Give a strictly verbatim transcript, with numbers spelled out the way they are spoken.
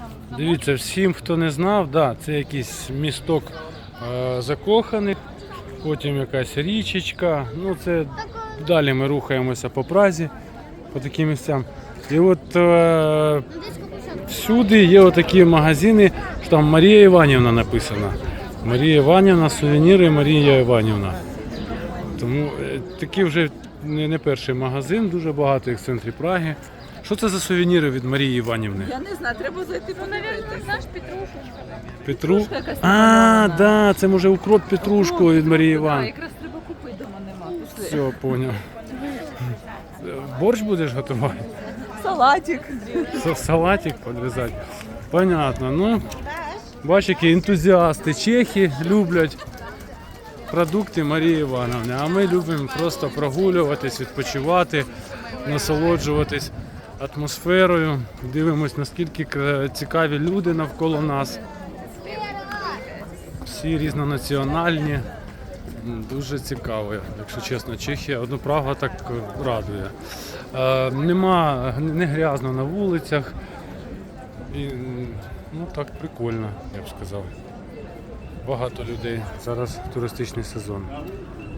Дивіться, всім, хто не знав, да, це якийсь місток е, закоханих, потім якась річечка. Ну, це далі ми рухаємося по Празі, по таким місцям. І от е, всюди є отакі магазини, що там Марія Іванівна написана. Марія Іванівна, сувеніри Марія Іванівна. Тому е, такий вже не, не перший магазин, дуже багато їх в центрі Праги. Що це за сувеніри від Марії Іванівни? Я не знаю, треба зайти подивитися. Знаєш, петрушечка. Петру? Петрушка якась А, намальована. да, це може укроп петрушку від Марії Так, Іванівни. якраз треба купити, дома нема. Пішли. Все, поняв. Борщ будеш готувати? Салатик. С- Салатик підрізати? Понятно. Ну, бач, які ентузіасти. Чехи люблять продукти Марії Івановни, а ми любимо просто прогулюватись, відпочивати, насолоджуватись атмосферою. Дивимось, наскільки кра- цікаві люди навколо нас. Всі різнонаціональні. М, Дуже цікаво, якщо чесно. Чехія, одну Прага так е, радує. Е, нема, не грязно на вулицях. І, м, ну так прикольно, я б сказав. Багато людей. Зараз туристичний сезон.